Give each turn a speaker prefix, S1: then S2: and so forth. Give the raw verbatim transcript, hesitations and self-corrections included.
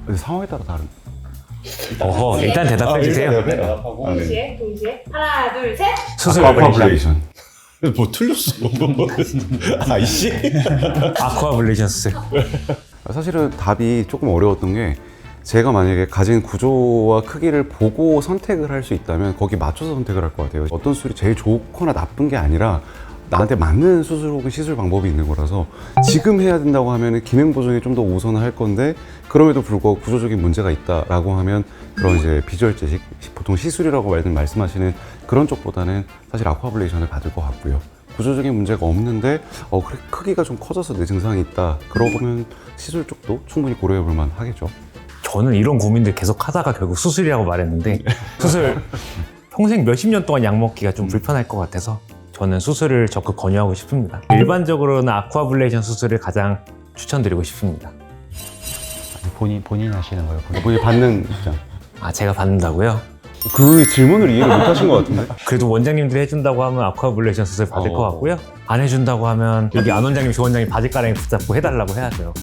S1: 근데 상황에 따라 다른.
S2: 어허, 일단 대답해 주세요.
S3: 네, 대답하고.
S1: 아, 네.
S4: 동시에 동시에 하나 둘 셋.
S2: 수술
S1: 아쿠아블레이션.
S3: 뭐 틀렸어. 아이씨.
S2: 아쿠아블레이션 수술.
S1: 사실은 답이 조금 어려웠던 게 제가 만약에 가진 구조와 크기를 보고 선택을 할 수 있다면 거기 맞춰서 선택을 할 것 같아요. 어떤 수술이 제일 좋거나 나쁜 게 아니라 나한테 맞는 수술 혹은 시술 방법이 있는 거라서 지금 해야 된다고 하면 기능 보정에 좀 더 우선을 할 건데 그럼에도 불구하고 구조적인 문제가 있다라고 하면 그런 이제 비주얼 제식, 보통 시술이라고 말씀하시는 그런 쪽보다는 사실 아쿠아블레이션을 받을 것 같고요. 구조적인 문제가 없는데 어, 그래, 크기가 좀 커져서 내 증상이 있다. 그러면 시술 쪽도 충분히 고려해 볼 만 하겠죠.
S2: 저는 이런 고민들 계속 하다가 결국 수술이라고 말했는데 수술 평생 몇십 년 동안 약 먹기가 좀 불편할 것 같아서 저는 수술을 적극 권유하고 싶습니다. 일반적으로는 아쿠아블레이션 수술을 가장 추천드리고 싶습니다.
S5: 본인, 본인 하시는 거예요? 본인?
S1: 본인이 받는 입장.
S2: 아, 제가 받는다고요?
S1: 그 질문을 이해를 못 하신 것 같은데.
S2: 그래도 원장님들이 해준다고 하면 아쿠아블레이션 수술 받을
S1: 어.
S2: 것 같고요. 안 해준다고 하면 여기 안 원장님, 조 원장님 바지가랑이 붙잡고 해달라고 해야죠.